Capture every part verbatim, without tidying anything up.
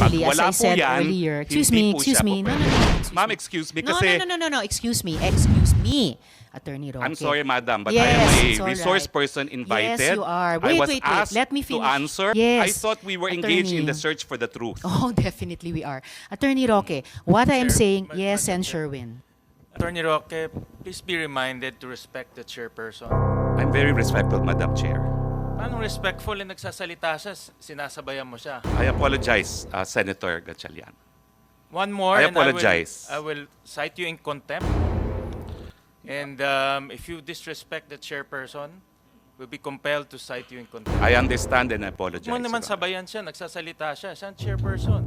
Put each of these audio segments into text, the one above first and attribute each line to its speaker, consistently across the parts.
Speaker 1: actually,
Speaker 2: Pag
Speaker 1: as
Speaker 2: wala
Speaker 1: I
Speaker 2: po
Speaker 1: said
Speaker 2: yan,
Speaker 1: earlier, excuse
Speaker 2: hindi
Speaker 1: me,
Speaker 2: po
Speaker 1: excuse
Speaker 2: siya
Speaker 1: me.
Speaker 2: po
Speaker 1: No, no,
Speaker 2: pwede.
Speaker 1: no, no. excuse
Speaker 2: Ma'am,
Speaker 1: me.
Speaker 2: excuse me
Speaker 1: No,
Speaker 2: kasi...
Speaker 1: no, no, no, no, no, excuse me, excuse me, Attorney Roque.
Speaker 2: I'm sorry, madam, but
Speaker 1: yes,
Speaker 2: I am
Speaker 1: it's
Speaker 2: a
Speaker 1: all
Speaker 2: resource
Speaker 1: right.
Speaker 2: person invited.
Speaker 1: Yes, you are. Wait,
Speaker 2: I was
Speaker 1: wait, wait.
Speaker 2: asked
Speaker 1: Let me
Speaker 2: to
Speaker 1: finish.
Speaker 2: answer.
Speaker 1: Yes,
Speaker 2: I thought we were engaged in the
Speaker 1: Attorney.
Speaker 2: search for the truth.
Speaker 1: Oh, definitely we are. Attorney Roque, what I am
Speaker 3: Chair,
Speaker 1: saying,
Speaker 3: Ma-
Speaker 1: yes,
Speaker 3: Madam
Speaker 1: and
Speaker 3: Chair.
Speaker 1: Sherwin.
Speaker 3: Attorney Roque, please be reminded to respect the chairperson.
Speaker 2: I'm very respectful, Madam Chair.
Speaker 3: Paano respectful na nagsasalita siya, s- sinasabayan mo siya?
Speaker 2: I apologize, uh, Senator Gatchalian.
Speaker 3: One more,
Speaker 2: I
Speaker 3: and
Speaker 2: apologize.
Speaker 3: I will, I will cite you in contempt. And um, if you disrespect the chairperson, we'll be compelled to cite you in contempt.
Speaker 2: I understand and I apologize.
Speaker 3: Mo naman
Speaker 2: Your Honor.
Speaker 3: sabayan siya, nagsasalita siya, siya ang chairperson.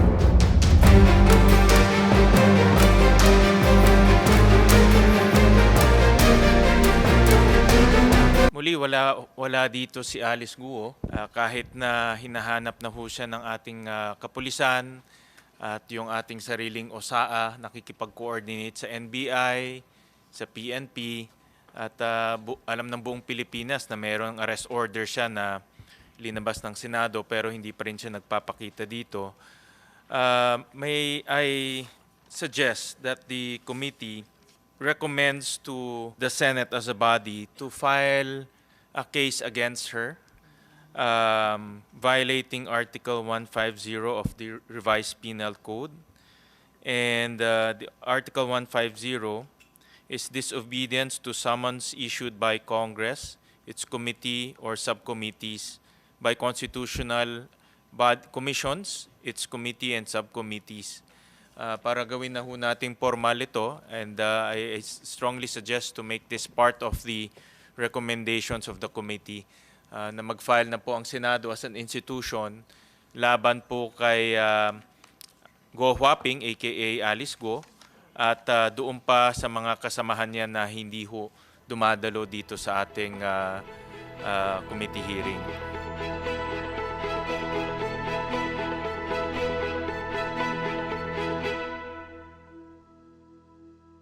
Speaker 3: Muli, wala, wala dito si Alice Guo. Ah, kahit na hinahanap na ho siya ng ating ah, kapulisan at yung ating sariling O S A A, nakikipag-coordinate sa N B I, sa P N P, at ah, bu- alam ng buong Pilipinas na mayroong arrest order siya na linabas ng Senado pero hindi pa rin siya nagpapakita dito. Uh, may I suggest that the committee recommends to the Senate as a body to file a case against her, um, violating Article one fifty of the Revised Penal Code. And uh, the Article one fifty is disobedience to summons issued by Congress, its committee or subcommittees, by constitutional bod- commissions, its committee and subcommittees. Uh, para gawin na ho nating formal ito, and uh, I, I strongly suggest to make this part of the recommendations of the committee uh, na mag-file na po ang Senado as an institution laban po kay uh, Go Huaping, aka Alice Go, at uh, doon pa sa mga kasamahan niya na hindi ho dumadalo dito sa ating uh, uh, committee hearing.